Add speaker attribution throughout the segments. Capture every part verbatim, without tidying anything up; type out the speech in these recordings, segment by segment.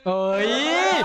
Speaker 1: เอ้ย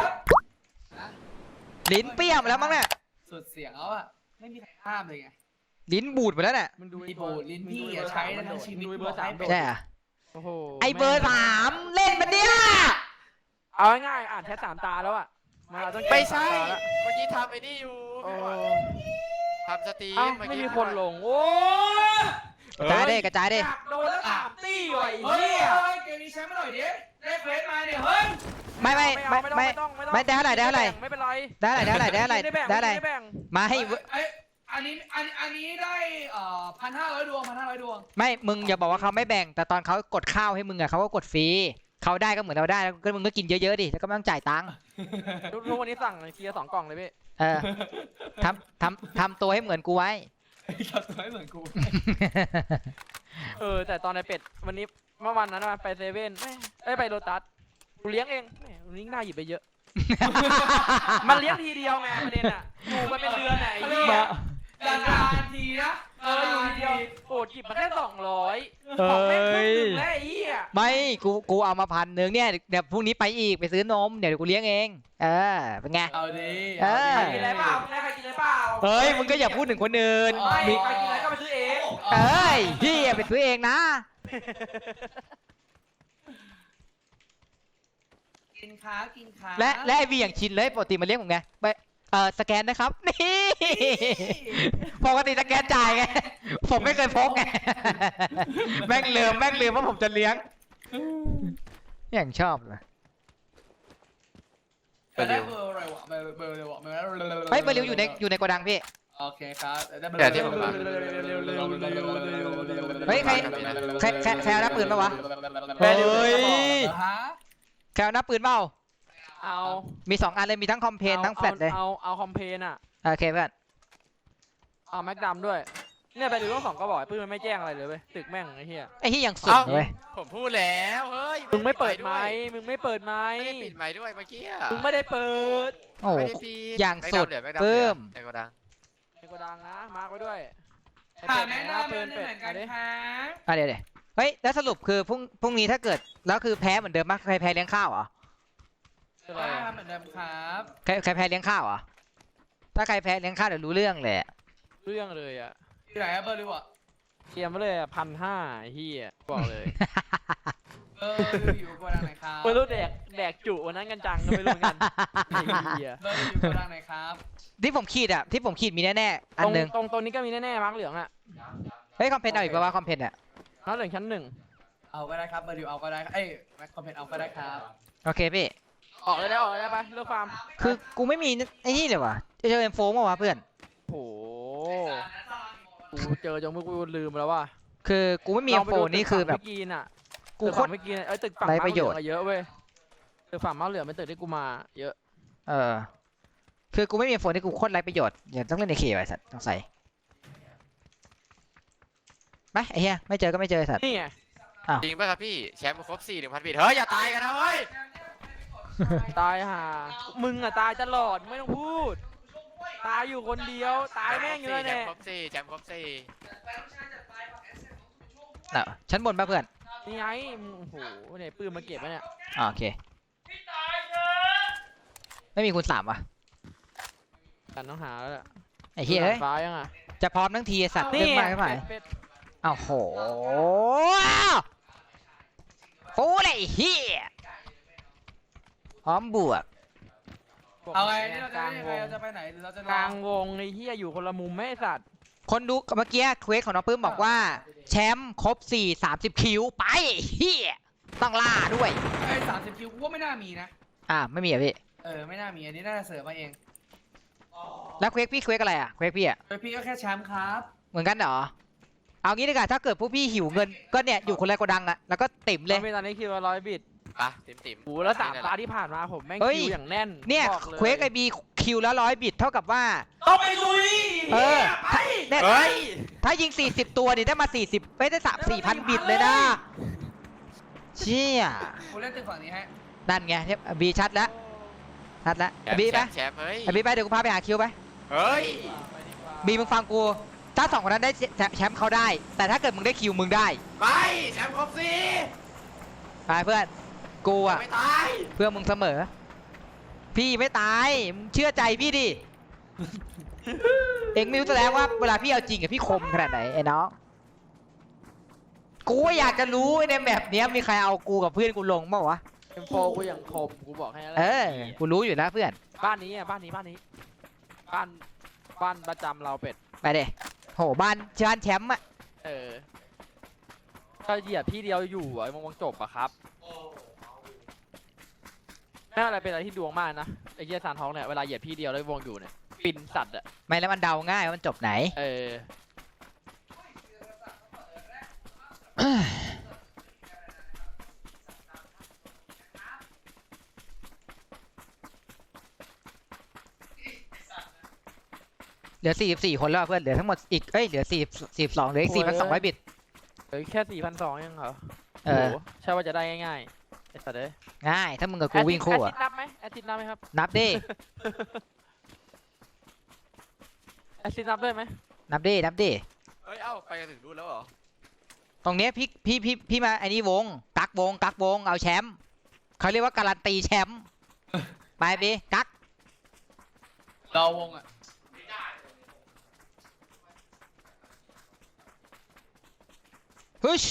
Speaker 1: ลิ้นเปี้ยมแล้วมั้งเนี่ย
Speaker 2: สุดเสียงแล้วอ่ะไม่มีใครห้ามเลยไง
Speaker 1: ลิ้นบูดไปแล้วเนี่ย
Speaker 2: มันดูไอ้บูดลิ้นพี่อย่าใช้ทั้งชีวิต
Speaker 3: เบอร์สาม
Speaker 1: ใช่อะ
Speaker 3: โอ้โห
Speaker 1: ไอเบอร์สามเล่นมันเนี่ย
Speaker 3: เอาง่ายๆอ่านแค่สามตาแล้วอ่ะมาต้อง
Speaker 4: ไม่ใช่เมื่อกี้ทำไอ้นี่อยู่ทำสตรีม
Speaker 3: ไม่มีคนลงโอ้
Speaker 1: กระจายได้กระจายได้
Speaker 3: โดนแล้วสามตีว่ะไอ้
Speaker 2: เฮ้ย
Speaker 3: เหี้ย
Speaker 2: เกมนี้ใช้ไม่หน่อยดิได้เฟสมาเนี่ยเฮ้ย
Speaker 1: ไม่ไม่ไม่ไม่ไม่ได้เท่าไหร่ได้เท่าไหร่
Speaker 3: ไม่เป็นไร
Speaker 1: ได้เท่าไหร่ได้เท่าไหร่ได้เท่าไหร่ได้เท่าไหร่มาให้
Speaker 2: อันนี้อันอันนี้ได้เอ่อพันห้าร้อยดวงพันห้าร้อยดวง
Speaker 1: ไม่มึงอย่าบอกว่าเขาไม่แบ่งแต่ตอนเขากดข้าวให้มึงอะเขาก็กดฟรีเขาได้ก็เหมือนเราได้แล้วก็มึงก็กินเยอะๆดิแล้วก็ไม่ต้องจ่ายตังค์
Speaker 3: ทุกวันนี้สั่งเคลียร์สองกล่องเลยพี่
Speaker 1: เออทำทำทำตัวให้เหมือนกูไว้
Speaker 2: ทำตัวให้เหมือนกู
Speaker 3: เออแต่ตอนในเป็ดวันนี้เมื่อวันนั้นไปเซเว่นเอ้ยไปโรตัสกูเลี้ยงเองแหมวันนี้น่าหยิบไปเยอะมันเลี้ยงทีเดียวไงประเด็นอ่ะอยู่มาเป็นเดือนไหนเหี้ย
Speaker 2: นานทีนะ
Speaker 3: เอออยู่ทีเดียวโอ้หยิบมาแค่สองร้อยของแม่งครึ่งนึงแล้วไอ้เหี้ย
Speaker 1: ไม่กูกูเอามาพันหนึ่งเนี่ยเดี๋ยวพรุ่งนี้ไปอีกไปซื้อนมเดี๋ยวกูเลี้ยงเองเออเป็นไง
Speaker 2: เอาดิ
Speaker 1: เออ
Speaker 3: กินอะไรเปล่าใครกินอะไรเปล่า
Speaker 1: เฮ้ยมึงก็อย่าพูดถึงคนอื่น
Speaker 3: มีใครกินอะไรก็ไปซื้อเอง
Speaker 1: เอ้ยพี่อย่าไปซื้อเองนะ
Speaker 2: กินค้ากินค้า
Speaker 1: และและไอวีอย่างชินเลยปกติมาเลี้ยงผมไงไปเออสแกนนะครับนี่ปกติสแกนจ่ายไงผมไม่เคยพกไงแม่งลืมแม่งลืมว่าผมจะเลี้ยงอย่างชอบเลย
Speaker 2: เบอร์เบอร์อะไรวะเบอร์เบอร์อะไรวะเบอร์
Speaker 1: เฮ้ยเบอร์ริวอยู่ในอยู่ในโกดังพี่
Speaker 2: โอเคครับ
Speaker 4: เดี๋ยวที่ผมมา
Speaker 1: เฮ้ยใครใครใครใครเอาหน้าปืนปะวะเฮ้ยใครเอาหน้าปืนเปล่า
Speaker 3: เอา
Speaker 1: มีสองอันเลยมีทั้งคอมเพนทั้งแฟลชเลย
Speaker 3: เอาเอาคอมเพนอ่ะ
Speaker 1: โอเคเพื่อน
Speaker 3: เอาแม็กดัมด้วยเนี่ยไปดูทั้งสองก็บอกปืนมันไม่แจ้งอะไรเลยเว้ยตึกแม่งไอ้เหี้ย
Speaker 1: ไอ้เหี้ยยังสุดเลย
Speaker 4: ผมพูดแล้วเฮ้ย
Speaker 3: มึงไม่เปิดไมค์มึงไม่เปิดไมค์
Speaker 4: ไม่ได้ปิดไมค์ด้วยเมื่อกี้
Speaker 3: มึงไม่ได้เปิด
Speaker 1: โอ้อย่างสุดเพิ่ม
Speaker 4: ในโกดัง
Speaker 3: ในโกดังนะมาร์กไว้ด้วย
Speaker 2: หาแม่น้ำเป็นเหมือนกันค่ะ
Speaker 1: อ่ะเดี๋ยวเดี๋ยวเฮ้ยแล้วสรุปคือพรุ่งพรุ่งนี้ถ้าเกิดแล้วคือแพ้เหมือนเดิมมั้ยใครแพ้เลี้ยงข้าวเหรอ
Speaker 2: ใช่เหมือนเดิมครับ
Speaker 1: ใครใครแพ้เลี้ยงข้าวเหรอถ้าใครแพ้เลี้ยงข้าวเดี๋ยวรู้เรื่องเลย
Speaker 3: เรื่องเลยอ่ะ
Speaker 2: ที่ไหนเบอร์ริวอ่ะ
Speaker 3: เทียมมาเลยอ่ะพันห้าเฮียบอกเลย
Speaker 2: เอออยู่โกดังไหนครับ
Speaker 3: ไม่รู้แดกแดกจุวันนั้นกันจังก็ไม่รู้กัน
Speaker 2: เฮียเบอร์อยู่โกดังไหนครับ
Speaker 1: ที่ผมขีดอ่ะที่ผมขีดมีแน่ๆอันหนึ่ง
Speaker 3: ตรงตรงนี้ก็มีแน่ๆมาร์กเหลืองอ่ะ
Speaker 1: เฮ้ยคอมเพนเอาอีกป่าวคอมเพนอ่ะ
Speaker 3: มาร์กเหลืองชั้นหนึ่ง
Speaker 2: เอาก็ได้ครับเบอร์ริวเอาก็ได้เอ้ยแม็กคอมเพนเอาก็ได้ครับ
Speaker 1: โอเคพี่
Speaker 3: ออกเลยได้ออกเลยได้ปะเลือกฟาร์ม
Speaker 1: คือกูไม่มีไอ้นี่เลยว่ะจะเจอเอ็มโฟมาวะเพื่อน
Speaker 3: โอ้กูเจอจนมึงกูลืมแล้วว่ะ
Speaker 1: คือกูไม่มีเอ็มโฟนี่คือแบบ
Speaker 3: กินอ่ะ
Speaker 1: กูโคตร
Speaker 3: ไม่กินไอ้ตึกฝั่งมาเหลืองเยอะเว้ยตึกฝั่งมาเหลืองเป็นตึกที่กูมาเยอะ
Speaker 1: เออคือกูไม่มีเอ็มโฟนี่กูโคตรไร้ประโยชน์อย่าต้องเล่นในเคไว้สัตว์ต้องใส่ไปไอ้เหี้ยไม่เจอก็ไม่เจอสัตว์
Speaker 3: นี่ไง
Speaker 4: จริงป่ะครับพี่แชมป์ครบสี่หนึ่งพันบิตเฮ้ยอย่าตายกันนะเฮ้ย
Speaker 3: ตายห่ามึงอะตายตลอดไม่ต้องพูดตายอยู่คนเดียวตายแม่งเยอะแน่
Speaker 4: แชมป์ครบสี่แชมป์ครบสี่
Speaker 1: น่ะชั้นบนป่ะเพื่อน
Speaker 3: นี่ไงโอ้โหเนี่ยปืนมาเก็บไว้เนี่ย
Speaker 1: โอเคไม่มีคูณสามวะ
Speaker 3: กันต้องหาแล้ว
Speaker 1: ไอ้เหี้ยเฮ้ย
Speaker 3: ฟ้ายังอ่ะ
Speaker 1: จะพร้อมทั้งทีสัตว์เรื่องมากไม่ไหวอ้าวโหฟูเลยเฮียพร้อมบวก
Speaker 2: เอาไงนี่เราจะยังไงเราจะไปไหนเราจะ
Speaker 3: กลางวงไอ้เฮียอยู่คนละมุมไม่สัตว์
Speaker 1: คนดูเมื่อกี้เควสของน้องปื้มบอกว่าแชมป์ครบสี่ สามสิบคิวไปเฮียต้องล่าด้วย
Speaker 2: ไอ้สามสิบคิวกูว่าไม่น่ามีนะ
Speaker 1: อ่าไม่มีอ่ะพี่
Speaker 2: เออไม่น่ามีอันนี้น่าจะเสริมมาเอง
Speaker 1: แล้วเควสพี่เควสอะไรอ่ะเควสพี่อ่ะ
Speaker 2: เควสพี่ก็แค่แชมป์ครับ
Speaker 1: เหมือนกันเหรอเอางี้ดีกว่าถ้าเกิดพวกพี่หิวเงินก็เนี่ยอยู่คนละโกดังอะแล้วก็ติ่มเลย
Speaker 3: ไม่ตอนนี้คิวร้อยบิต
Speaker 4: ปะติ่มติ่ม
Speaker 3: โอ้แล้วสามตาที่ผ่านมาผมแม่งคิวอย่างแน่น
Speaker 1: เนี่ยเควสไอบีคิวแล้วร้อยบิตเท่ากับว่า
Speaker 2: ต้องไปลุย
Speaker 1: เออเนี่ยถ้ายิงสี่สิบตัวนี่ได้มาสี่สิบไม่ได้สามสี่พันบิตเลยนะเชี่ย
Speaker 2: กูเล่นตึกฝั่งนี้ฮะ
Speaker 1: นั่นไงเนี่ยบีชัดแล้วชัดแล้วบีไปบีไปเดี๋ยวกูพาไปหาคิวไป
Speaker 4: เฮ้ย
Speaker 1: บีมึงฟังกูถ้าสองคนนั้นได้แชมป์เขาได้แต่ถ้าเกิดมึงได้คิวมึงได้
Speaker 4: ไปแชมป์ครบสี่
Speaker 1: ไปเพื่อนกูอะ
Speaker 4: ไม่ตาย
Speaker 1: เพื่อมึงเสมอ พี่ไม่ตายมึงเชื่อใจพี่ดิ เอ็งไม่รู้แสดงว่าเวลาพี่เอาจริงกับพี่คมขนาดไหนไอ้น้องกูก็อยากจะรู้ในแบบเนี้ยมีใครเอากูกับเพื่อนกูลงบ้างวะ
Speaker 3: เอ็มโฟกูอย่างคมกูบอกให้แล้ว
Speaker 1: เออกูรู้อยู่แล้วเพื่อน
Speaker 3: บ้านนี้อ่ะบ้านนี้บ้านนี้ บ้านบ้านประจำเราเป็ด
Speaker 1: ไปเด้โหบ้านบ้านแชมป์อะ
Speaker 3: เออถ้าเหยียบที่เดียวอยู่อ่ะมันคงจบอะครับแม่อะไรเป็นอะไรที่ดวงมากนะไอ้เหี้ยสารท้องเนี่ยเวลาเหยียบที่เดียวแล้ววงอยู่เนี่ยปินสัตว์อ่ะ
Speaker 1: ไม่แล้วมันเดาง่ายว่ามันจบไหน
Speaker 3: เออ
Speaker 1: เหลือสี่สิบสี่คนแล้วเพื่อนเหลือทั้งหมดอีกเอ้ยเหลือสี่สี่สองเหลืออีกสี่พันสองร้อยบิต
Speaker 3: เฮ้ยแค่สี่พันสองยังเหรอ
Speaker 1: เออ
Speaker 3: โหใช่ว่าจะได้ง่ายๆไอ้สัตว์เอ้ย
Speaker 1: ง่ายถ้ามึงกับกูวิ่งคู่
Speaker 3: แอ
Speaker 1: อะ
Speaker 3: ดทิตนับไหมแอดทิตนับไหมครับ
Speaker 1: นับดิ
Speaker 3: แอดทิตนับด้วยไหม
Speaker 1: นับดินับดิ
Speaker 4: เฮ้ย เอ้า ไปกันถึงนู่นแล้วเหรอ
Speaker 1: ตรงเนี้ยพี่พี่พี่พี่มาไอ้นี่วงกักวงกักวงเอาแชมป์เขาเรียกว่าการันตีแชมป์ไปบีกัก
Speaker 2: เราวงอ่ะ
Speaker 1: ฮึช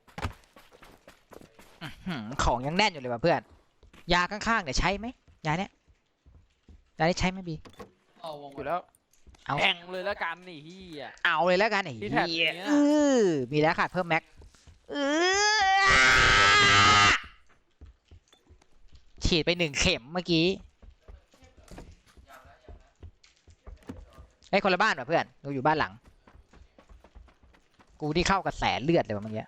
Speaker 1: อื้อหือของยังแน่นอยู่เลยว่ะเพื่อนยาข้างๆเดี๋ยวใช้ไหมยาเนี้ยยานี้ใช้ไหมบี
Speaker 2: เราวง
Speaker 3: อยู่แล้ว
Speaker 1: เอา
Speaker 3: แข่งเลยแล้วกันนี่ที่อ่ะ
Speaker 1: เอาเลยแล้วกันไอ้
Speaker 3: ที่
Speaker 1: เหี้
Speaker 3: แท็บ
Speaker 1: ย
Speaker 3: เนี้ย
Speaker 1: เออมีแล้วขาดเพิ่มแม็กเออฉีดไปหนึ่งเข็มเมื่อกี้ไอ้ยคนละบ้านว่ะเพื่อนเราอยู่บ้านหลัง กูที่เข้ากับแสนเลือดเลยว่ะเมื่อกี้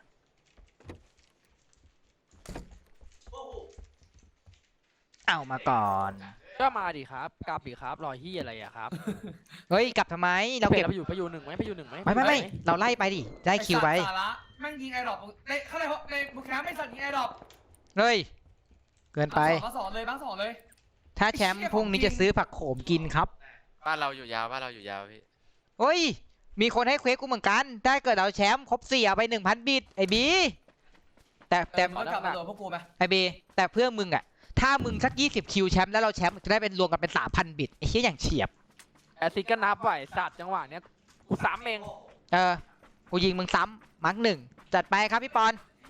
Speaker 1: เอามาก่อน
Speaker 3: ก็มาดิครับกลับดิครับรอยที่อะไรอะครับ
Speaker 1: เฮ้ยกลับทำไมเรา
Speaker 3: เราเก็
Speaker 1: เก็
Speaker 3: บบ ไปอยู่ไปอยู่หนึ่งไหมไปอยู่หนึ่งไหม
Speaker 1: ไม่ไม่ไม่
Speaker 3: ปหน
Speaker 1: เราไล่ไปดิได้คิวไป
Speaker 2: สาระแม่งยิงไอดรอปในข้างในในบุคคลไม่สั่นยิงไอดรอป
Speaker 1: เฮ้ยเกินไป
Speaker 2: มาสอนเลยบ้างสอนเลย
Speaker 1: ถ้าแชมป์พรุ่งนี้จะซื้อผักโขมกินครับ
Speaker 4: บ้านเราอยู่ยาว บ้านเราอยู่ยาวพี่
Speaker 1: เฮ้ยมีคนให้เควสกูเหมือนกันได้เกิดเราแชมป์ครบสี่เอาไปหนึ่งพันบิตไอ้บีแต่แต่
Speaker 2: แต่มันก็กลับมาโดนพวกกูไหม
Speaker 1: ไอ้บีแต่เพื่อมึงอะถ้ามึงสักยี่สิบคิวแชมป์แล้วเราแชมป์จะได้เป็นรวมกันเป็นสามพันบิตไอ้เหี้ยอย่างเฉียบ
Speaker 3: แอดทิตก็นับไหวสัตว์จังหวะเนี้ยกูซ้ำเอง
Speaker 1: เออกูยิงมึงซ้ำมาร์กหนึ่งจัดไปครับพี่ปอน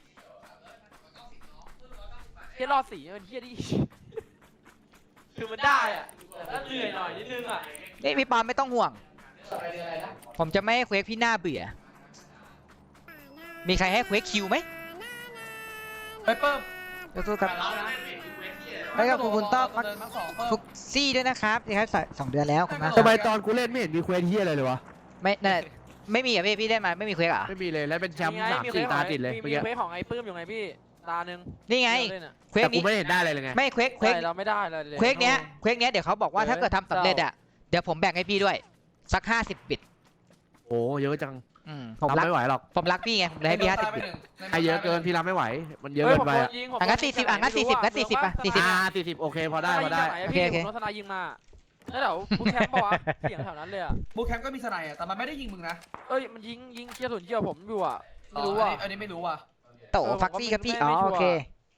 Speaker 3: เฮียรอดสีมันเฮียดิ คือมันได้อะแต่ถ้าเหนื่อยหน่อยนิดนึงอะ
Speaker 1: นี่พี่ปอนไม่ต้องห่วง ผมจะไม่ให้เควสพี่หน้าเบื่อ มีใครให้เควสคิวไหม
Speaker 2: ไปเพิ่ม
Speaker 1: สู้ๆครับ แล้วก็ขอบคุณต้อม
Speaker 2: เดินมาสองเพิ่ม
Speaker 1: ฟุกซี่ด้วยนะครับที่ครับสองเดือนแล้วขอบคุณมากค
Speaker 5: ทำ
Speaker 1: รับ
Speaker 5: ไมตอนกูเล่นไม่เห็นมีเควสเฮียอะไรเลยวะ
Speaker 1: ไม่นั่นแหละไม่มีอ่ะพี่พี่ได้มาไม่มีเควสเหรอ
Speaker 5: ไม่มีเลยแล้วเป็นแชมป์
Speaker 3: นี่ไง
Speaker 5: สาม
Speaker 3: มี
Speaker 5: สี่
Speaker 3: เควส
Speaker 5: ตา
Speaker 3: ของ
Speaker 5: ติดเลย
Speaker 3: มี
Speaker 5: เมื่อ
Speaker 3: มี
Speaker 5: กี้
Speaker 3: เควสของไอ้ปื้มอยู่ไงพี่ตาหนึ่ง
Speaker 1: นี่ไง
Speaker 3: เล่นอะ
Speaker 1: เควส
Speaker 5: แต่กู
Speaker 1: นี้
Speaker 5: ไม่เห็นได้เลยเลยไง
Speaker 1: ไม่เควสเควส
Speaker 3: ใช่เราไม่ได้เลย
Speaker 1: เควสเนี้ยเควสเนี้ยเดี๋ยวเขาบอกว่า
Speaker 3: เออ
Speaker 1: ถ้าเกิดทำสำเร็จอ่ะเดี๋ยวผมแบ่งให้พี่ด้วยสักห้าสิบบิต
Speaker 5: โอ้เยอะจัง
Speaker 1: อืมผม
Speaker 5: รับ
Speaker 1: รัก
Speaker 5: ไม่ไหวหรอก
Speaker 1: ผมรักพี่ไงผมเลยให้พี่ห้าสิบบิต
Speaker 5: ไอเยอะเกินพี่รับไม่ไหว มันเยอะ
Speaker 3: เฮ้ย
Speaker 5: เกิ
Speaker 3: ผม
Speaker 5: นไป
Speaker 3: โด
Speaker 5: อะ
Speaker 3: นยิงผม
Speaker 1: อ่ะงั้นสี่สิบอ่ะงั้นสี่สิบงั้นสี่สิบอ่ะสี่สิบ
Speaker 5: อ่าสี่สิบโอเคพอได้พอได้
Speaker 3: โอ
Speaker 1: โอ
Speaker 3: เค
Speaker 1: เค
Speaker 3: โอ
Speaker 1: โอ
Speaker 3: เค
Speaker 1: เค
Speaker 3: รถสนายยิงมาแล้วเดี๋ยวบูแคมป์บอกว่าเสียงแถวนั้นเลยอะ
Speaker 2: บูแคมป์ก็มีสไนด์อะแต่มันไม่ได้ยิงมึงนะ
Speaker 3: เอ้ยมันยิงยิงเกียร์ศูนย์เกียร์ผมอยู่อะไม่รู้
Speaker 2: อ๋อ
Speaker 3: อะ
Speaker 2: อันนี้อันนี้ไม่รู้ว่ะ
Speaker 1: โต
Speaker 3: เออผม
Speaker 1: ฟักซี่ครับพี่
Speaker 3: ไม่
Speaker 1: อ๋อ
Speaker 3: ไม่ชัวร์
Speaker 1: โอเค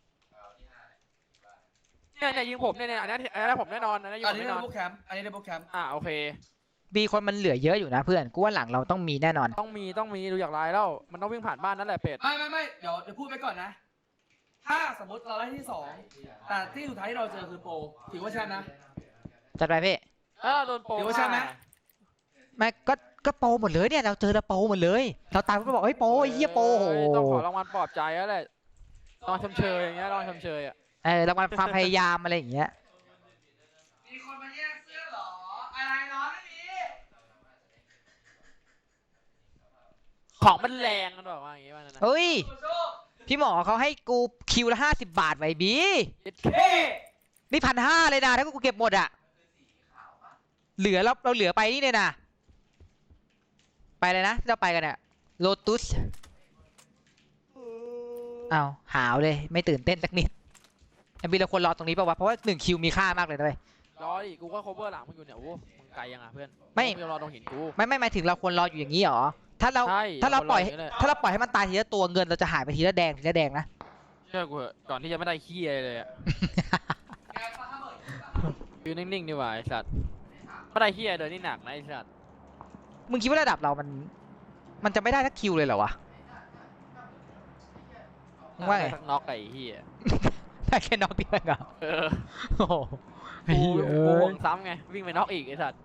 Speaker 3: เนี่ยเนี่ยยิงผมเนี่ยเนี่ยอันนี้อันนี้ผมแน่นอนอันนี้ยิง
Speaker 2: อั
Speaker 3: ผ
Speaker 2: น
Speaker 3: ม
Speaker 2: นี้
Speaker 3: แน่
Speaker 2: ได้
Speaker 3: นอน
Speaker 2: บูแคมป์อันนี้ได้บูแคมป์
Speaker 3: อ่าโอเค
Speaker 1: บีคนมันเหลือเยอะอยู่นะเพื่อนกูว่าหลังเราต้องมีแน่นอน
Speaker 3: ต้องมีต้องมีดูจากลายแล้วมันต้องวิ่งผ่านบ้านนั่นแหละเป็ด
Speaker 2: ไม่ไม่ไม่เดี๋ยวเดี๋ยวพูดไปก่อนนะ ถ้าสมมติเราได้ที่สองแต่ที่สุดท้ายที่เราเจอคือโปรถือว่าแชมป์นะ
Speaker 1: จัดไปพี่
Speaker 3: เออโดนโปร
Speaker 2: เดี๋ยวใช่ไหม
Speaker 1: ไม่ก็ก็โปรหมดเลยเนี่ยเราเจอแล้วโปรหมดเลยเราตายก็บอกเฮ้ยโปรไอ้เหี้ยโปรโอ้โห
Speaker 3: ต้องขอรางวัลปลอบใจแล้วแหละรางวัลชมเชยอย่างเงี้ยรางวัลชมเชยอะ
Speaker 1: เออรางวัลความพยายามอะไรอย่างเงี้ย
Speaker 2: มีคนมาแย่งเสื้อเหรออะไรเนาะไม่มี
Speaker 3: ของมันแรงกันบอกว่าอย่างงี้ว่านั่นนะ
Speaker 1: เฮ้ย
Speaker 2: สู้
Speaker 1: พี่หมอเขาให้กูคิวละห้าสิบบาทไว้บี
Speaker 2: ๆเฮ้
Speaker 1: นี่พันห้าเลยนะถ้ากูเก็บหมดอะเหลือเราเราเหลือไปนี่เลยนะไปเลยนะที่เราไปกันเนี่ยโลตุสอ้าวหาวเลยไม่ตื่นเต้นสักนิดไอ้บีเราควรรอตรงนี้ป่าวะเพราะว่าหนึ่งคิวมีค่ามากเลยนะเว้ย
Speaker 3: รอดิกูก็ cover หลังมึงอยู่เนี่ยโอ้มึงไกลยังอ่ะเพื่อน
Speaker 1: ไม่
Speaker 3: งรอตรงหินกู
Speaker 1: ไม่ไม่หมายถึงเราควรรออยู่อย่างนี้เหรอถ้าเรา
Speaker 3: ใช่
Speaker 1: ถ้าเราปล่อย
Speaker 3: คนรออย่างนี้แหละ
Speaker 1: ถ้าเราปล่อยให้มันตายทีละตัวเงินเราจะหายไปทีละแดงทีละแดงนะ
Speaker 3: เชื่อกูเถอะก่อนที่จะไม่ได้ขี้อะไรเลยอะอยู่นิ่งๆดีกว่าไอ้สัตว์ไม่ได้ขี้อะไรเลยนี่หนักนะไอ้สัตว์
Speaker 1: มึงคิดว่าระดับเรามัน มันจะไม่ได้สักคิวเลยเหรอวะมึงว่าไง
Speaker 3: สักน็อกไอ้เหี้ย
Speaker 1: ได้แค่น็อกเดียวเองเหรอ
Speaker 3: เออ
Speaker 1: โอ้โห
Speaker 3: กู
Speaker 1: เหี้ย
Speaker 3: กูห่วงซ้ำไงวิ่งไปน็อกอีกไอ้สัตว์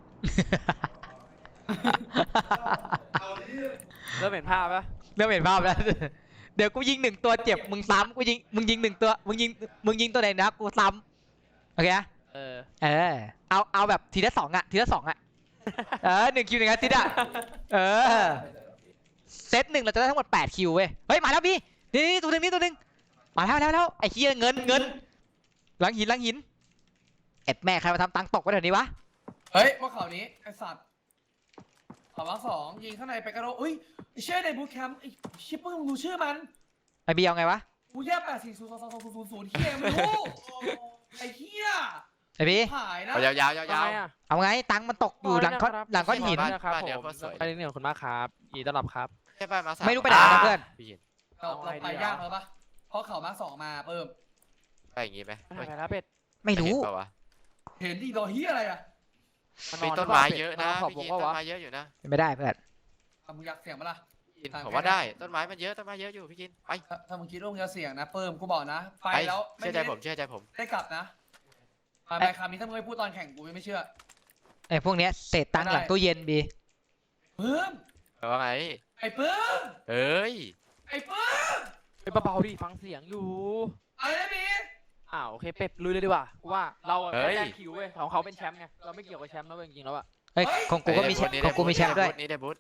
Speaker 3: เริ่มเห็นภาพปะ
Speaker 1: เริ่มเห็นภาพแล้ว เดี๋ยวกูยิงหนึ่งตัวเจ็บมึงซ้ำกูยิงมึงยิงหนึ่งตัวมึงยิงมึงยิงตัวไหนนะกูซ้ำโอเคนะ
Speaker 3: เออ
Speaker 1: เออเอาเอาแบบทีละสองอะทีละสองอะเออหนึ่งคิวหนึ่งอาทิตย์อะเออเซตหนึ่งเราจะได้ทั้งหมดแปดคิวเว้ยเฮ้ยมาแล้วพี่นี่นี่ตัวหนึ่งนี่ตัวหนึ่งมาแล้วแล้วแล้วไอ้เหี้ยเงินเงินหลังหินหลังหินเอ็ดแม่ใครมาทำตังค์ตกไว้แถวนี้วะ
Speaker 2: เฮ้ยว่าข่าวนี้ไอสัตว์ข่าวว่าสองยิงข้างในไปกระโดดอุ้ยไอเชื่อในบูทแคมป์ไอชิปเปอร์มึงรู้ชื่อมัน
Speaker 1: ไอบีเอาไงวะ
Speaker 2: กูแย่แปดสี่ศูนย์สองสองศูนย์ศูนย์ศูนย์เฮียไม่รู้ไอเฮีย
Speaker 1: ไอบี
Speaker 2: หายนะ
Speaker 4: เอายาวๆยาว
Speaker 3: ทำไม
Speaker 4: ๆ
Speaker 3: อะ
Speaker 1: เอาไงตังค์มันตกอยู่หลังก้อนหลังก้อนหิน
Speaker 3: บ้านนะครับ
Speaker 4: บ้าน
Speaker 3: ผ
Speaker 4: เดี๋ยว
Speaker 3: ม
Speaker 4: ก็สวย
Speaker 3: ไปเรื่องของคุณมากครับยินดีต้อนรับครับ
Speaker 4: ใช่ป่ะมาสาม
Speaker 1: ไม่รู้ไปไหนนะเพื่อน
Speaker 4: พี่ยิน
Speaker 2: เราเราไปยากแล้วปะเพราะข่าวมาสองมาเพิ่ม
Speaker 4: ไปอย่างงี้ไหม
Speaker 3: ไปไหนแล้วเป็ด
Speaker 1: ไม่รู้
Speaker 4: เห็นปะวะ
Speaker 2: เห็นดีดอเฮียอะไรอะ
Speaker 4: มีต้นไม้เยอะนะ
Speaker 3: ขอบ
Speaker 4: พี่
Speaker 3: วง
Speaker 4: ยิน
Speaker 3: ก็
Speaker 4: ต้น
Speaker 3: วะ
Speaker 4: ไม้เยอะอยู่นะ
Speaker 1: เป็นไม่ได้เพื่อน
Speaker 2: อ่ะมึงอยากเสี่ยงปะล่ะ
Speaker 4: พี่ยินผมว่าได้ต้นไม้มันเยอะต้นไม้เยอะอยู่พี่ยินไป
Speaker 2: ถ้าถ้ามึงคิดว่ามึงจะเสี่ยงนะเพิ่มกูบอกนะไป
Speaker 4: ไป
Speaker 2: แล้วไม่
Speaker 4: เชื่อใจ
Speaker 2: ได้
Speaker 4: ผมเชื่อใจผม
Speaker 2: ได้กลับนะไปไปคำนี้ถ้ามึงไม่พูดตอนแข่งกูไม่เชื่อ
Speaker 1: ไอพวกเนี้ยเศษตังค์หลังตู้เย็นบี
Speaker 2: เพิ่ม
Speaker 4: แต่ว่าไง
Speaker 2: ไอ้เพิ่ม
Speaker 4: เอ้ย
Speaker 2: ไอ้เพิ่ม
Speaker 3: ไปเบาๆดิฟังเสียงอยู่
Speaker 2: อะไรนะพี่
Speaker 3: อ้าวโอเคเป็ดลุยเลยดีกว่าว่าเราอะแค่แย่งคิวเว้ยของเขาเป็นแชมป์ไงเราไม่เกี่ยวกับแชมป์นะเว้ยจริงๆแล้วอะ
Speaker 1: เฮ้ยของกูก็มีแชมป์ของกูมีแชมป์ด้วย
Speaker 4: นี่ได้บูท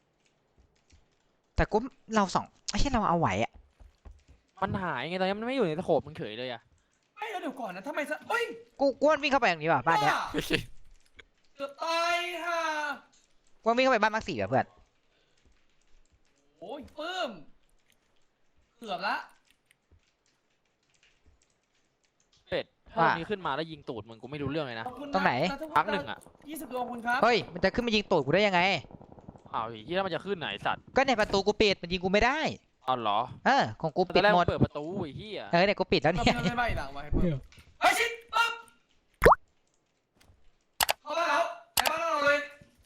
Speaker 1: แต่กูเราสองไอ้เช่นเราเอาไหวอะ
Speaker 3: มันหายไงตอนนี้มันไม่อยู่ในสโคปมันเฉยเลยอะ
Speaker 2: ไม่แล้วเดี๋ยวก่อนนะทำไมซะเฮ้ย
Speaker 1: กูกูว่าวิ่งเข้าไปอย่างนี้ว่ะบ้านเนี้ย
Speaker 4: พี่ยิน
Speaker 2: เกือบตายห่า
Speaker 1: กูว่าวิ่งเข้าไปบ้านมาร์คสี่ว่ะเพื่อน
Speaker 2: โอ้ยเพิ่มเกือบละ
Speaker 3: เป็ดถ้าตรงนี้ขึ้นมาแล้วยิงตูดมึงกูไม่รู้เรื่องเลยนะ
Speaker 2: ขอบคุณะ
Speaker 1: ตรงไหน
Speaker 3: พักหนึ่งอะ
Speaker 2: ยี่สิบดวงคุณครับ
Speaker 1: เฮ้ยมันจะขึ้นมายิงตูดกูได้ยังไง
Speaker 3: อ้าวที่แล้วมันจะขึ้นไหนสัตว์
Speaker 1: ก็ในประตูกูปิดมันยิงกูไม่ได้
Speaker 3: อ๋อเหรอ
Speaker 1: เออของกู
Speaker 3: ตอ
Speaker 1: ปิ
Speaker 3: น
Speaker 1: ด
Speaker 3: แรก
Speaker 1: หม
Speaker 3: มั
Speaker 1: ด
Speaker 3: นเปิดประตูไอ้เหี้ย
Speaker 1: เออเนี่ยกูปิดแล้ว
Speaker 2: ไม่
Speaker 1: เนี่ย
Speaker 2: ไม่ไม่หลังไว้เพิ่มเฮ้ยชิดปั๊บเข้าบ้านเราในบ้านเราเลย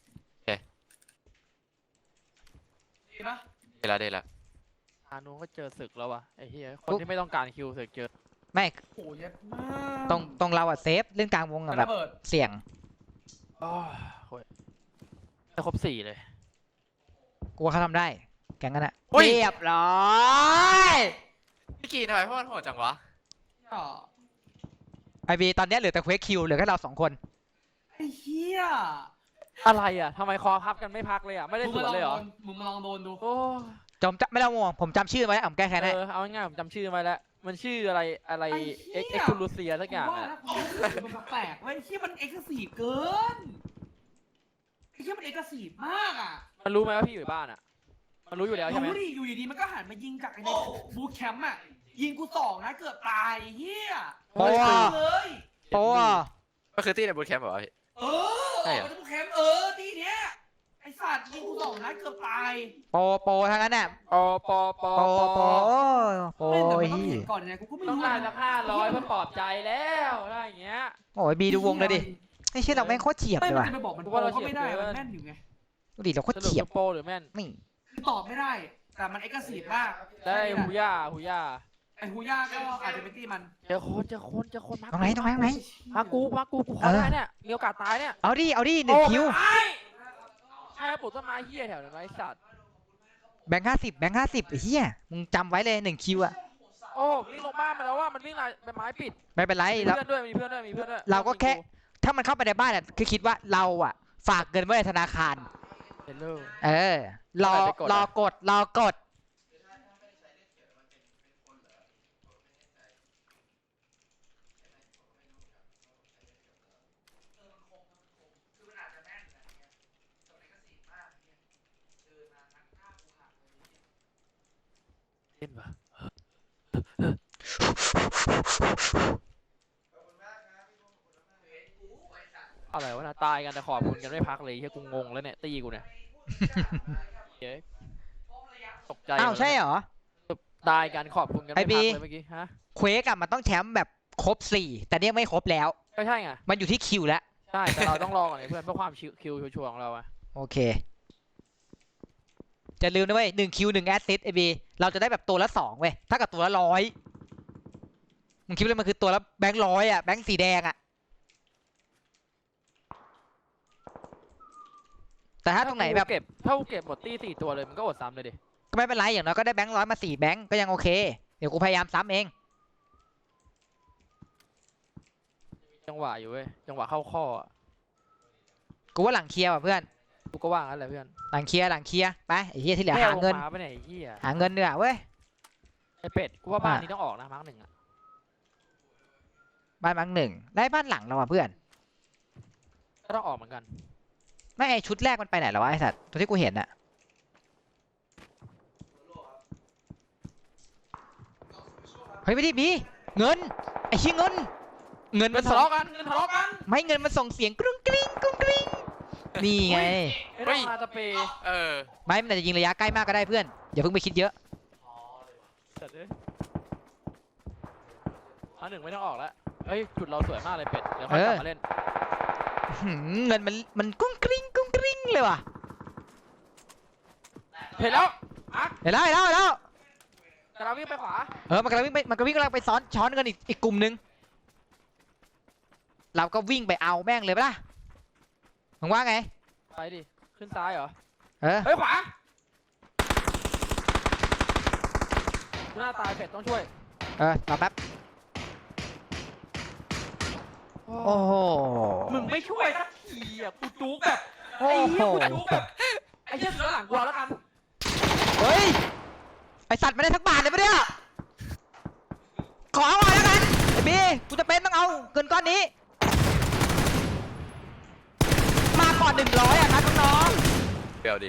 Speaker 2: ดีปะ
Speaker 4: เวลาได้ละ
Speaker 3: อานุก็เจอศึกแล้ววะไอ้เหี้ยคนที่ไม่ต้องการคิวศึกเจอ
Speaker 1: ไม่
Speaker 2: โอ้ยเย็ดมาก
Speaker 1: ตรงตรงเราอะเซฟเล่นกลางวงอะแบบ
Speaker 2: ระเบิด
Speaker 1: เสี่ยง
Speaker 3: อ๋อโอ้ยจะครบสี่เลย
Speaker 1: กูว่าเขาทำได้ แกงกันอะเรียบร้อย
Speaker 4: พี่กีนทำไมพวกมันโหดจังวะ
Speaker 2: อ่ะ
Speaker 1: ไอบีตอนเนี้ยเหลือแต่เควสคิวเหลือแค่เราสองคน
Speaker 2: ไอ้เหี้ย
Speaker 3: อะไรอ่ะทำไมคอพับกันไม่พักเลยอ่ะไม่ได้
Speaker 2: มึง
Speaker 3: สว
Speaker 2: มาน ลอง
Speaker 3: เลยเหร
Speaker 2: โด
Speaker 3: อน
Speaker 2: มึงมาลองโดนดู
Speaker 3: โอ้
Speaker 1: จำจะไม่ต้องห่วงผมจำชื่อไว้ผมแก้แค้น
Speaker 3: เอ
Speaker 1: ให้
Speaker 3: อเอาง่ายๆผมจำชื่อไว้แล้วมันชื่ออะไรอะไรเอ็กเอ็กซ์คูลูเซียสักอย่าง
Speaker 2: ว่า
Speaker 3: อ่ะ
Speaker 2: นะความรู้สึกมันแปลกๆเว้ยไอ้เหี้ยมันเอ็กซ์ซีฟเกินไอ้เหี้ยมันเอ็กซ์ซีฟมากอ่ะ
Speaker 3: มันรู้ไหมว่าพี่อยู่บ้านอ่ะมันรู้อยู่แล้วใช่ไหม
Speaker 2: รู้ดิอยู่ดีๆมันก็หันมายิงจากไอ้ในบูทแคมป์อ่ะยิงกูสองนะเกือบตายไอ้เหี้ย
Speaker 1: โอ้อะ
Speaker 2: เลย
Speaker 1: โอ้อะ
Speaker 4: ก็คือที่ในบูทแคมป์เหรอพี่
Speaker 2: เออ
Speaker 4: ใช่เหรอ
Speaker 2: มันบูทแคมป์เออที่เนี้ยไอ้สัตว์ยิงกูสองนะเกือบตาย
Speaker 1: โปโปทั้งนั้นน่ะ
Speaker 3: ปอปอปอ
Speaker 1: โป
Speaker 3: ปอ
Speaker 1: โปโป
Speaker 2: ไม่แต่มันต้อง
Speaker 1: ฮี
Speaker 2: เห็นก่อนไงกูก็ไม่
Speaker 3: ต้อง
Speaker 2: รู้
Speaker 3: ได้
Speaker 2: นะ
Speaker 3: สักห้าร้อยเพื่อปลอบใจแล้วอะไรอย่างเงี้ย
Speaker 1: โอ้ยบีดูวงเลยดิไอ้เช่นเราแม่งโคตรเฉียบ
Speaker 2: ไม่
Speaker 1: เลย
Speaker 2: มัน
Speaker 1: ว่ะ
Speaker 2: จะไปบอกมัน
Speaker 3: กู
Speaker 2: โป
Speaker 3: ว่าเรา
Speaker 2: ก็ไม่ได้
Speaker 3: เฉียบเกิน
Speaker 2: มันแม่นอยู่ไง
Speaker 1: ดูดิเราโคต
Speaker 3: ส
Speaker 1: ร
Speaker 3: รุป
Speaker 1: เฉียบ
Speaker 3: คือโปหรือแม่น
Speaker 1: นี่
Speaker 2: คือตอบไม่ได้ แต่มันเอ็กซ์ซีฟมาก
Speaker 3: ได้หูย่าหูย่า
Speaker 2: ไอ้ฮูย่าก็อาจจะเป็นที่มัน
Speaker 3: เจอคนเจอคนเจอคนมา
Speaker 1: ตรงไหนตรงไหนตรงไหน
Speaker 3: มากูมากูกูขอได้เนี่ยมีโอกาสตายเนี่ย
Speaker 1: เอาดิเอาดิหนึ่งคิว
Speaker 3: ใช่ปลูกต้นไม้เหี้ยแถวนั้นไอ้สัตว์
Speaker 1: แบงค์ห้าสิบแบงค์ห้าสิบไอ้เหี้ยมึงจำไว้เลยหนึ่งคิวอะ
Speaker 3: โอ้วิ่งลงบ้านมาแล้วว่ามันวิ่งลายเป็นไม้ปิด
Speaker 1: ไม่เป็นไร
Speaker 3: มี
Speaker 1: เรา
Speaker 3: เพื่อนด้วยมีเพื่อนด้วยมีเพื่อนด้วย
Speaker 1: เราก็แค่ ถ้ามันเข้าไปในบ้านอะคือคิดว่าเราอะฝากเงินไว้ในธนาคาร
Speaker 3: เฮลโล
Speaker 1: เออ รอ
Speaker 3: ไปกดอะ
Speaker 1: รอกดรอกด
Speaker 3: เล่นปะอะไรวะนะตายกันแต่ขอบคุณกันไม่พักเลยเฮียกูงงแล้วเนี่ยตีกูเนี่ยเฮ้ยตกใจ
Speaker 1: อ้าวใช่เหรอ
Speaker 3: ได้กันขอบคุณกัน
Speaker 1: ไอ้
Speaker 3: ไม่
Speaker 1: บี
Speaker 3: พักเลยเมื่อกี้ฮะ
Speaker 1: เควกอะมันต้องแชมป์แบบครบสี่แต่เนี่ยไม่ครบแล้ว
Speaker 3: ก็ใช่ไง
Speaker 1: มันอยู่ที่คิวแล้ว
Speaker 3: ใช่แต่เราต้องรอก่อนไอ้เพื่อนเพื่อความชิวคิวชัวร์ๆของเราอะ
Speaker 1: โอเคจะลืมนะเว้ยหนึ่งคิวหนึ่งแอสซิสไอบีเราจะได้แบบตัวละสองเว้ยถ้ากับตัวละร้อยมึงคิดว่ามันคือตัวละแบงค์ร้อยอะแบงค์สีแดงอะแต่ถ้าตรงไหนแบบ
Speaker 3: กูเก็บถ้ากูเก็บหมดตี้สี่ตัวเลยมันก็อดซ้ำเลยดิ
Speaker 1: ก็ไม่เป็นไรอย่างน้อยก็ได้แบงค์ร้อยมาสี่แบงค์ก็ยังโอเคเดี๋ยวกูพยายามซ้ำเอง
Speaker 3: จังหวะอยู่เว้ยจังหวะเข้าข้ออะ
Speaker 1: กูว่าหลังเคลียร์ว่ะเพื่อน
Speaker 3: กูก็ว่างั้นแหละเพื่อน
Speaker 1: หลังเคลียร์หลังเคลียร์ไปไอ้เหี้ยที่เหลือ
Speaker 3: แค่
Speaker 1: หาเงิน
Speaker 3: ลมาไปไหนไอ้เหี้ย
Speaker 1: หาเงินเนื้อเว้ย
Speaker 3: ไอ้เป็ดกูว่าบ้าน
Speaker 1: อ่ะ
Speaker 3: นี้ต้องออกนะมาร์กหนึ่งอะ
Speaker 1: บ้านมังหนึ่งได้บ้านหลังแล้วว่ะเพื่อน
Speaker 3: ก็ต้องออกเหมือนกัน
Speaker 1: ไม่ไอชุดแรกมันไปไหนแล้ววะไอสัตว์ตัวที่กูเห็นอะเฮ้ยไม่ได้บีเงินไอ้ชี้ยเงิน เงิน
Speaker 3: เงิ
Speaker 1: มัน น
Speaker 3: ทะ
Speaker 1: ส่ง
Speaker 3: เลาะกันเงินทะเลาะกัน
Speaker 1: ไม่เงินมันส่งเสียงกรุ้งกริ้งกรุ้งกริ้งนี่ไง
Speaker 3: ไม่ต้องมาตะเปย์
Speaker 4: เออ
Speaker 1: ไม่มันอาจจะยิงระยะใกล้มากก็ได้เพื่อนอย่าเพิ่งไปคิดเยอะ
Speaker 3: จัดเลยอันหนึ่งไม่ต้องออกแล้วเฮ้ยจุดเราสวยมากเลยเป็ดเดี๋ยวค่อยกลับมาเล่น
Speaker 1: หืมเงินมันมันกุ้งกริ้งกุ้งกริ้งเลยว่ะ
Speaker 3: เห็นแล้วอาร์ต
Speaker 1: เห็นแล้วเห็นแล้วเห็นแล้ว
Speaker 3: กำลังวิ่งไปขวา
Speaker 1: เออมันกำลังวิ่งไปมันก็วิ่งกำลังไปซ้อนช้อนกันอีกอีกกลุ่มนึงเราก็วิ่งไปเอาแม่งเลยปะล่ะมึงว่าไง
Speaker 3: ไปดิ ขึ้นซ้ายเหรอ
Speaker 1: เออ
Speaker 3: เฮ้ยขวาหน้าตายเป็ดต้องช่วย
Speaker 1: เออรอแป๊บโอ้โห
Speaker 3: มึงไม่ช่วยสักทีอ่ะกูจุกแบบ
Speaker 1: โอ้
Speaker 3: ไอ้
Speaker 1: โห
Speaker 3: เหี้ยกูจุกแบบไอ้เหี้ยเสือหลังกูเอาแล้วกัน
Speaker 1: เฮ้ยไอสัตว์ไม่ได้ทักบาทเลยปะเนี่ยขอเอาหน่อยแล้วกันไอบีกูจะเป็นต้องเอาเงินก้อนนี้ มาก่อนหนึ่งร้อยอ่ะครับน้อง
Speaker 4: เปรี้ยวดี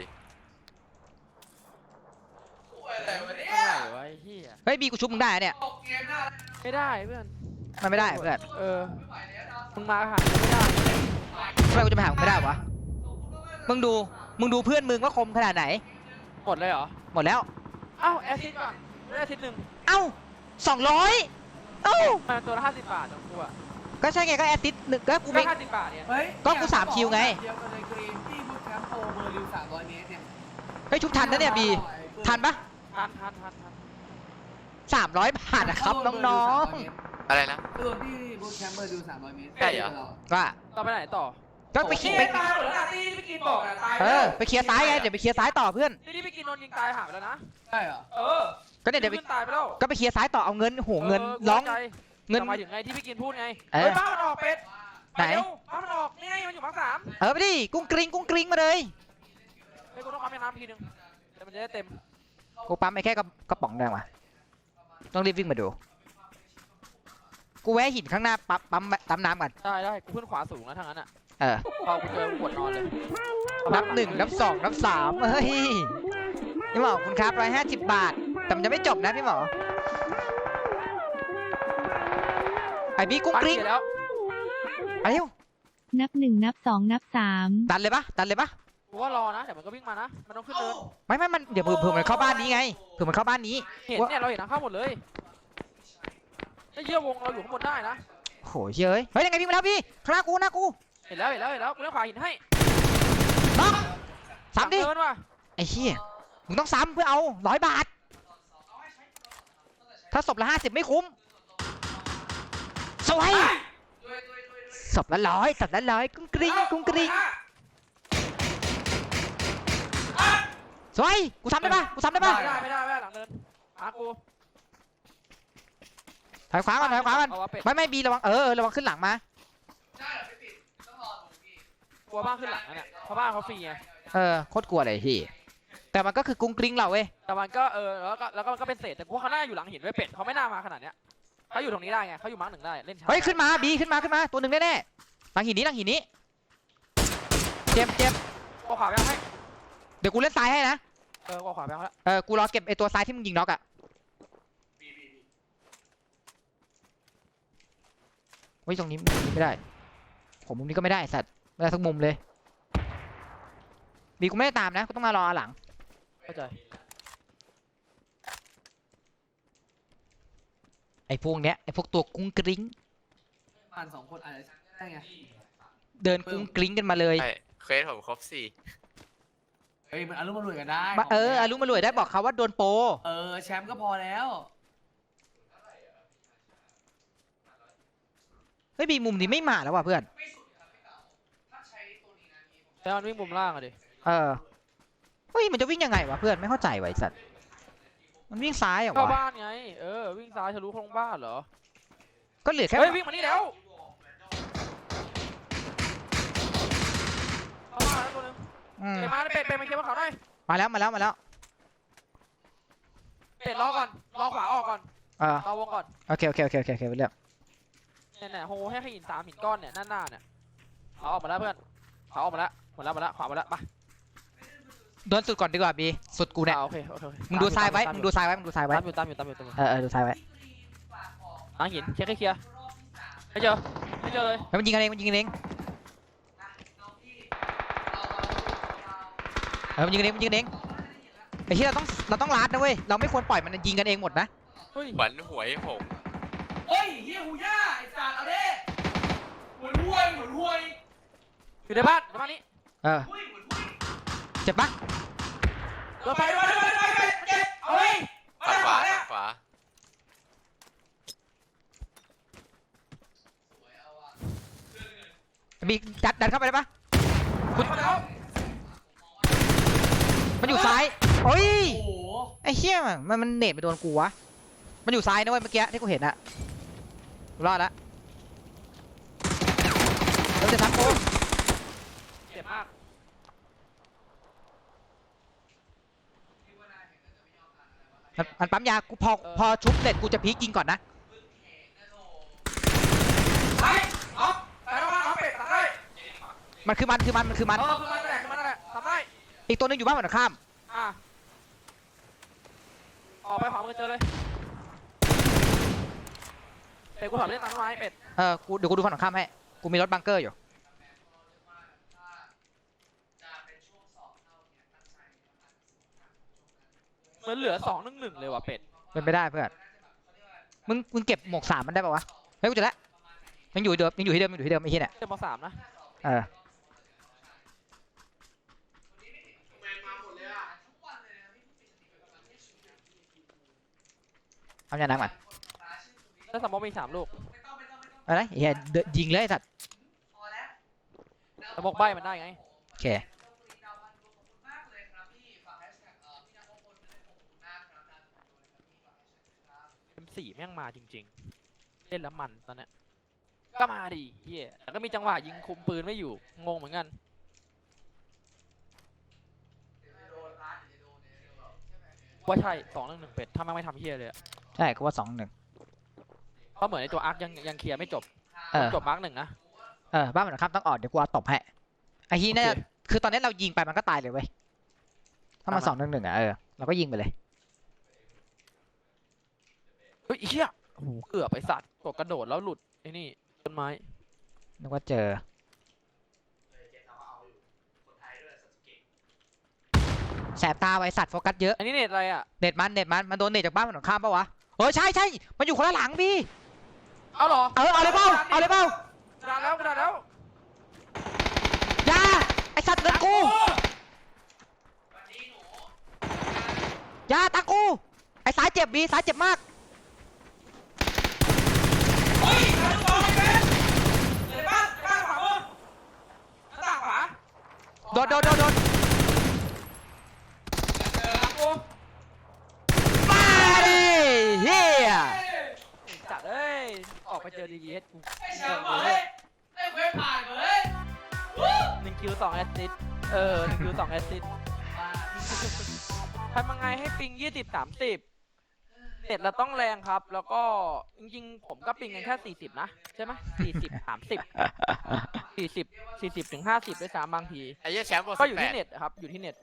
Speaker 2: อะไรวะเนี่ย
Speaker 3: อะไรวะไอ้เหี้ย
Speaker 1: ๆเฮ้ยบีกูชุบมึงได้อะเนี่ย
Speaker 2: ออกเกมหน้า
Speaker 3: ไม่ได้เพื่อน
Speaker 1: มันไม่ได้เพื่อน
Speaker 3: เออมึงมาหากูไม่ได้
Speaker 1: ทำไมกูจะไปหามึงไม่ได้วะมึงดูมึงดูเพื่อนมึงว่าคมขนาดไหน
Speaker 3: หมดเลยเหรอ
Speaker 1: หมดแล้ว
Speaker 3: เอ้าแอสซิดก่อนไม่ได้แอสซิดหนึ่ง
Speaker 1: เอ้าสองร้อยเอ้า
Speaker 3: มาตัวละห้าสิบบาทของกูอะ
Speaker 1: ก็ใช่ไงก็แอสซิสต์หนึ่งก็กู
Speaker 3: ก็
Speaker 1: ไม่
Speaker 3: ห้าสิบบาทเนี่ย
Speaker 2: เฮ้ย
Speaker 1: ก็กูสามคิวไง
Speaker 2: เดียวกันเลยกรีนที่บูทแคมป์โปรเบอร์ริวสามร้อยเมตรเนี่ย
Speaker 1: เฮ้ยชุบทันนะเนี่ยบีทันปะ
Speaker 3: ทันทันทันทัน
Speaker 1: สามร้อยบาทนะครับน้อง
Speaker 4: อะไรนะ
Speaker 2: ตัวที่บูทแคมป์เบอร์ริวสามร้อยเมตร
Speaker 4: ใช่เหรอ
Speaker 1: ๆว่า
Speaker 3: ต่อไปไหนต่อ
Speaker 1: ก็ไปขี่ไป
Speaker 3: ตายหมดแล้วนะที่พี่กินบอกอะตาย
Speaker 1: เออไปเคลียร์ซ้ายไงเดี๋ยวไปเคลียร์ซ้ายต่อเพื่อน
Speaker 3: ที่ที่พี่กินโดนยิงตายหายไปแล้วนะ
Speaker 2: ใช่เหรอ
Speaker 3: เออ
Speaker 1: ก็เนี่ยเดี๋ยวไป
Speaker 3: ขึ้นตายไปแล้ว
Speaker 1: ก็ไปเคลียร์ซ้ายต่อเอาเงินโหเงิน
Speaker 3: ออ
Speaker 1: ร้อง
Speaker 3: กูเข้าใจ
Speaker 1: เงิน
Speaker 3: แต่หมายถึงไงที่พี่กินพูดไง
Speaker 1: เออ
Speaker 3: เฮ้ยบ้านมันออกเป็ด
Speaker 1: ไหน
Speaker 3: ปเร็วบ้านมันออกนี่ไงมันอยู่มาร์คสาม
Speaker 1: เออไปดิกุ้งกริ้งกุ้งกริ้งมาเลย
Speaker 3: เฮ้ยกูต้องปั๊มแม่น้ำทีนึงแต่มันจะได้เต็ม
Speaker 1: กูปั๊มไปแค่กระกระป๋องแดงว่ะต้องรีบวิ่งมาดูกูแวะหินข้างหน้าปั๊มปั๊มปั๊มน้ำก่อน
Speaker 3: ได้ได้กูขึ้นขวาสูงแล้วทั้งนั้นอ่ะ
Speaker 1: เออ
Speaker 3: พอกูเจอกูปวดนอนเลย
Speaker 1: นับหนึ่งนับสองนับสามเฮ้ยพี่หมอคุณครับร้อยห้าสิบบาทแต่มันจะไม่จบนะพี่หมอไอ้บีกุ้งกริ้ง
Speaker 3: ปั๊มเสร็จแล้ว
Speaker 1: ไปเร็ว
Speaker 6: นับหนึ่งนับสองนับสาม
Speaker 1: ดันเลยปะดันเลยปะ
Speaker 3: กูว่ารอนะเดี๋ยวมันก็วิ่งมานะมันต้องขึ้นเนิน
Speaker 1: ไม่ไม่มันเดี๋ยวเผื่อเผื่อมันเข้าบ้านนี้ไงเผื่อมันเข้าบ้านนี้
Speaker 3: เห็นเนี่ยเราเห็นทางเข้าหมดเลยไอ้เหี้ยวงเราอยู่ข้างบนได้นะ
Speaker 1: โหเย้ยเฮ้ยยังไงพี่มาแล้วพี่ข้างหน้ากูหน้ากู
Speaker 3: เห็นแล้วเห็นแล้วเห็นแล้วกูเลี้ยวขวาหินให้
Speaker 1: น้องซ้ำดิ
Speaker 3: หลังเนินว่ะ
Speaker 1: ไอ้เหี้ยมึงต้องซ้ำเพื่อเอาร้อยบาท ถ้าศพละห้าสิบไม่คุ้มสวยศพละร้อยศพละร้อยกุ้งกริ้งกุ้งกริ้งสวยกูซ้ำได้ปะกูซ้ำได้ปะ
Speaker 3: ไม่ได้ไม่ได้ไม่ได้หลังเนินหากู
Speaker 1: ถอยขวาก่อนถอยขวาก่อน
Speaker 3: เอาวะเป็ด
Speaker 1: ไม่ไม่บีระวังเออเออระวังขึ้นหลังมา
Speaker 3: กลัวบ้านขึ้นหลังนั่นแหละเพราะบ้านเขาฟรีไง
Speaker 1: เออโคตรกลัวเลยพี่แต่มันก็คือกุ้งกริ้งเราเว้ย
Speaker 3: แต่มันก็เออแล้วก็แล้วก็มันก็เป็นเศษแต่กูว่าเขาน่าอยู่หลังหินไว้เป็ดเขาไม่น่ามาขนาดเนี้ยเขาอยู่ตรงนี้ได้ไงเขาอยู่มาร์กหนึ่งได้เล่นช้า
Speaker 1: เฮ้ยขึ้นมาบีขึ้นมาขึ้นมาตัวหนึ่งแน่ๆหลังหินนี้หลังหินนี้เจ็บเจ็บ
Speaker 3: กูขวาไปเอาให้
Speaker 1: เดี๋ยวกูเล่นซ้ายให้นะ
Speaker 3: เออกูขวาไปเอาแล้ว
Speaker 1: เออกูรอเก็บไอตัวซ้ายที่มึงยิงน็อกอะเฮ้ยตรงนี้มุมนี้ไม่ได้ผมมุมนี้ก็ไม่ได้สัตว์ไม่ได้ทุกมุมเลยบีกูไม่ได้ตามนะกูต้องมารอหลัง
Speaker 3: เข้าใจ
Speaker 1: อ้พวกเนี้ยไอ้พวกตัวกุ้งกริ้ง
Speaker 2: ผ่านสองคนอาจจะได้ไง
Speaker 1: เดินกุ้งกริ้งกันมาเลย
Speaker 4: ใช่เควสผมครบสี่
Speaker 2: เฮ้ยมันอารมณ์มันรวยกันได้
Speaker 1: มาเออ
Speaker 2: ขงแท้
Speaker 1: อารุมารวยได้บอกเขาว่าโดนโปร
Speaker 2: เออแชมป์ก็พอแล้ว
Speaker 1: เฮ้ยบีมุมนี้ไม่มาแล้วว่ะเพื่อน
Speaker 3: แต่มันวิ่งมุมล่างอะดิ
Speaker 1: เออเฮ้ยมันจะวิ่งยังไงวะเพื่อนไม่เข้าใจว่ะไอ้สัตว์มันวิ่งซ้ายเหรอ
Speaker 3: เข้าว
Speaker 1: ะ
Speaker 3: บ้านไงเออวิ่งซ้ายทะลุโครงบ้านเหรอ
Speaker 1: ก็เหลือแค่
Speaker 3: เฮ้ยวิ่งมานี่แล้วเข้ามาแล้วตัวนึง
Speaker 1: อืม
Speaker 3: เป็ดมาเป็ดเป็ดมาเคลียร์บนเขาหน่อย
Speaker 1: มาแล้วมาแล้วมาแล้ว
Speaker 3: เป็ดรอก่อนรอขวาออกก่อน
Speaker 1: เออ
Speaker 3: รอวงก่อน
Speaker 1: โอเคโอเคโอเคโอเคโอเคไปเรื่อง
Speaker 3: เนี่ยเนี่ยโหให้ขหินสามหินก้อนเนี่ยหน้าหน้าเนี่ยเขาออกมาแล้วเพื่อนเขาออกมาแล้วหมดแล้วหมดแล้วขวาหมดแล้วไป
Speaker 1: โดนสุดก่อนดีกว่าบีสุดกูเนี่ย
Speaker 3: อ่าโอเคโอเคโอเค
Speaker 1: มึงดูซ้ายไว้
Speaker 3: ต
Speaker 1: มึงดูซ้ายไว้มึงดูซ้ายไว้
Speaker 3: ตามอยู่ตามอยู่ตามอยู่ตามอยู่
Speaker 1: เออเออดูซ้ายไว้
Speaker 3: หลังหินเช็คให้เคลียร์ไม่เจอไม่เจอเลย
Speaker 1: แล้วมันยิงกันเองมันยิงกันเองเออมันยิงกันเองมันยิงกันเองไอ้ที่เราต้องเราต้องลัดนะเว้ยเราไม่ควรปล่อยมันยิงกันเองหมดนะ
Speaker 3: เฮ้ย
Speaker 4: ขวัญหวยผม
Speaker 2: เฮ้ยเฮียหูย่าไอ้สัตว์เอาดิหวยหวยหวยหวย
Speaker 3: อยู่ในบ้านในบ้านนี้
Speaker 1: เออเจ็บปะ
Speaker 3: โดนไฟโดนไฟโดนไฟโดนไฟเจ็บเอาเลย
Speaker 4: ฝั่งขวาฝั่งขวา
Speaker 1: บีดันดันเข้าไปได้ปะ
Speaker 3: คุณมาแล้ว
Speaker 1: มันอยู่ซ้ายโอ้ย
Speaker 2: โอ้โห
Speaker 1: ไอ้เหี้ยมันมันเน็ตไปโดนกูวะมันอยู่ซ้ายนะเว้ยเมื่อกี้ที่กูเห็นอะรอดละเราจะทักกู
Speaker 3: เจ็บมาก
Speaker 1: มันมันปั๊มยากูพอพอชุบเสร็จกูจะพีกยิงก่อนนะ
Speaker 3: ไปออฟไปแล้วบ้านออฟเป็ดตัดได้
Speaker 1: มันคือมันคือมันมันคือมัน
Speaker 3: เออคือมันนั่นแหละคือมันนั่นแหละทำได้
Speaker 1: อีกตัวหนึงอยู่บ้านฝั่งตรงข้าม
Speaker 3: อ่ะออกไปขวามือเจอเลยเป็ดกูถอดเล่นตามต้นไม้เป็ด
Speaker 1: เออกูเดี๋ยวกูดูฝั่งตรงข้ามให้กูมีรถบังเกอร์อยู่
Speaker 3: เหมือนเหลือสองหนึ่งหนึ่งเลยว่ะเป็ด
Speaker 1: เป็นไปได้เพื่อนมึงมึงเก็บหมวกสามมันได้ปะวะเฮ้ยกูเจอแล้วยังอยู่เดิมยังอยู่ที่เดิมยังอยู่ที่เดิมไอ้เหี้ยเนี่ย
Speaker 3: เจ็บมาสามนะ
Speaker 1: เออเอาอย่างนั้นก่อน
Speaker 3: แล้วสมมติมีสามลูก
Speaker 1: อะไรเฮียเดินยิงเลยไอ้สัตว์
Speaker 3: สมมติใบมันได้ไง
Speaker 1: โอเค
Speaker 3: เอ็มสี่แม่งมาจริงๆ เล่นแล้วมันตอนเนี้ยก็มาดิเฮียแต่ก็มีจังหวะยิงคุมปืนไม่อยู่ งงเหมือนกัน ว่าใช่สองหนึ่งหนึ่งเป็ด ถ้าแม่งไม่ทำเฮียเลยอะ
Speaker 1: ใช่กูว่าสองหนึ่ง
Speaker 3: ก็เหมือนในตัวอาร์คยังยังเคลียร์ไม่จบ
Speaker 1: เออ
Speaker 3: จบมาร์คหนึ่งนะ
Speaker 1: เออบ้านมันข้ามต้องออกเดี๋ยวกูเอาตบให้ไอ้ที่เนี่ย
Speaker 3: โอเค
Speaker 1: คือตอนนี้เรายิงไปมันก็ตายเลยเว้ยถ้ามัน
Speaker 3: ตามมา
Speaker 1: สองหนึ่งหนึ่งอ่ะเออเราก็ยิงไปเลย
Speaker 3: เฮ้ยเฮียโอ้โหเกือบไอสัตว์กดกระโดดแล้วหลุดไอ้นี่ต้นไม้
Speaker 1: นึกว่าเจอแสบตาไว้สัตว์โฟกัสเยอะ
Speaker 3: อันนี้เน็ตอะไรอ่ะ
Speaker 1: เน็ตมันเน็ตมันมันโดนเน็ตจากบ้านมันข้ามปะวะเออใช่ใช่มันอยู่คนละหลังพี่
Speaker 3: เอาเหรอ
Speaker 1: เออเอาเลยเปล่าเอาเลยเปล่าก
Speaker 3: ระดาษแล้วกระดาษแล้ว
Speaker 1: อย่าไอสัตว์เดินกูอย่าตากูไอสายเจ็บบีสายเจ็บมาก
Speaker 3: เฮ้ยกระดาษเป็นในบ้านในบ้านขวามือหน้าต่างขวา
Speaker 1: โดนโดนโดนโดน
Speaker 3: เจอแล้วกู
Speaker 1: มาดิเฮีย
Speaker 3: จัดเอ้ย ออกไปเจอดีเอสกู
Speaker 2: ไอ้แชมป์เฮ้ยไอ้เว้ยผ่านเฮ้ยวู้
Speaker 3: หนึ่งคิวสองแอสซิสต์เออหนึ่งคิวสองแอสซิสต์ทำยังไงให้ปิงยี่สิบสามสิบเน็ตเราต้องแรงครับ แล้วก็จริงๆ ผมก็ปิงกันแค่สี่สิบนะ ใช่ไหมสี่สิบสามสิบสี่สิบสี่สิบถึงห้าสิบด้วยซ้ำบางที
Speaker 4: ไอ้เหี้ยแชมป์โปร
Speaker 3: ก็
Speaker 4: สิ
Speaker 3: อยู่
Speaker 4: บแป
Speaker 3: ที่
Speaker 4: ด
Speaker 3: เน็ตครับ อยู่ที่เน็ต